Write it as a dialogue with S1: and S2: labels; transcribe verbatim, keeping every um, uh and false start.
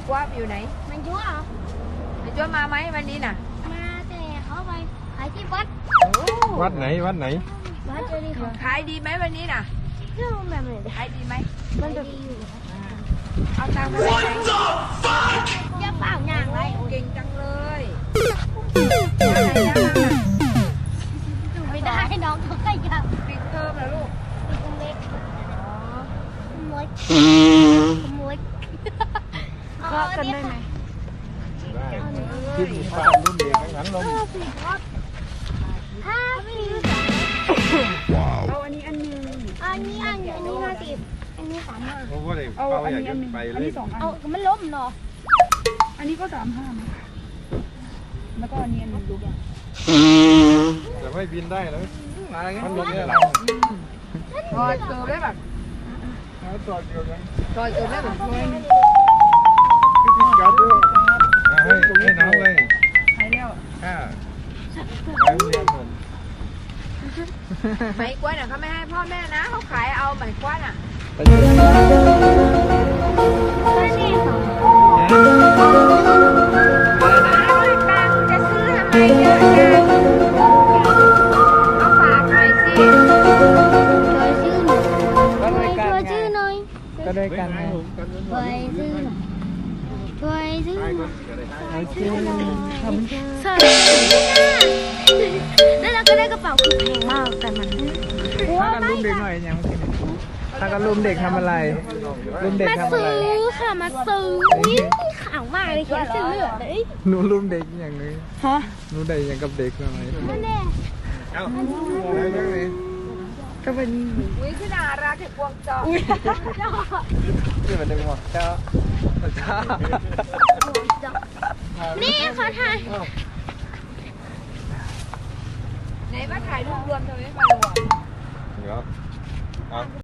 S1: กว่าอยู่ไหน
S2: มันยั่วเหรอ
S1: มันยั่วมาไหมวันนี้น่ะ
S2: มาแต่เขาไปขายที่วัด
S3: วัดไหนวัดไหน
S2: วัดเจดีย์ของ
S1: ขายดีไหมวันนี้น่ะ
S2: เรื่องแบบไหน
S1: ขายดีไหม
S2: มันจะดีอยู่
S1: เอาตังค์มาได้ไหม
S2: อย่าเปล่าอย่างไร
S1: เก่งจังเลย
S2: ไม่ได้น้องเขาขยับ
S1: ปิดเทอมแล้วลูก
S2: เล็กขโมยขโมย
S1: ก็กันได้ไหม
S3: ได้ที่มีป้ารุ่นเด็กงั้นลง
S2: ห้าสิบ
S1: เอาอันนี้อันนึง
S2: อันนี้อันอันนี้ห้าสิบอันนี้สามห้า
S3: เพราะว่าเด็กเขาอยากจะไปเล่น
S2: เอามันล้มเนาะ
S1: อันนี้ก็สามห้าแล้วก็อันนี้อันนึงดูอย่าง
S3: แต่ไม่บินได้แล้วมันลงเนี่ยหรอ
S1: ถอดเกลือได้แบบ
S3: ถอดเกลือยัง
S1: ถอดเกลือได้แบบ
S3: ให้ให้น้องเลย
S1: ใช่แล้ว
S3: อ่าไปเรียนผม
S1: ไหมกล้วยน่ะเขาไม่ให้พ่อแม่นะเขาขายเอาไหมกล้วยน่ะ
S2: ก็นี่ค่ะ
S1: จะซื้อทำไมเยอะจังเอาฝากหน่อยสิ
S2: ช่วยชื่อหน่อยช่วยชื่อหน่อย
S4: ก็ได้กันไง
S2: ช่วยชื่อหน่อยช่วยชื่อหน่อย
S4: เอาชื่อทำชื่อ
S2: ใช่แล้วเราก็ได้กระเป๋าคือแพงมากแต่มัน
S4: ถ้ากันรุมเด็กหน่อยยังไม่กินถ้ากันรุมเด็กทำอะไรรุมเด็ก
S2: มา
S4: ทำอะไร
S2: ซื้อค่ะมาซื้อนี่ขาวมากเลยเขียนเส้นเลือดเลย
S4: หนูรุมเด็กอย่างนี้
S1: ฮะ
S4: หนูได้ยังกับเด็กทำไม
S2: นั่นแหละ
S3: เอ้า
S4: ก็เป็น
S1: อุ้ยขึ้นอาราเก็บพวงจอ
S4: ที่มันดึงหัวเจ้าเจ้า
S2: นี่เขาถ่าย
S1: ไหนมาถ่ายรูปรวมทำไมมารวม
S3: เดี๋ยวเอา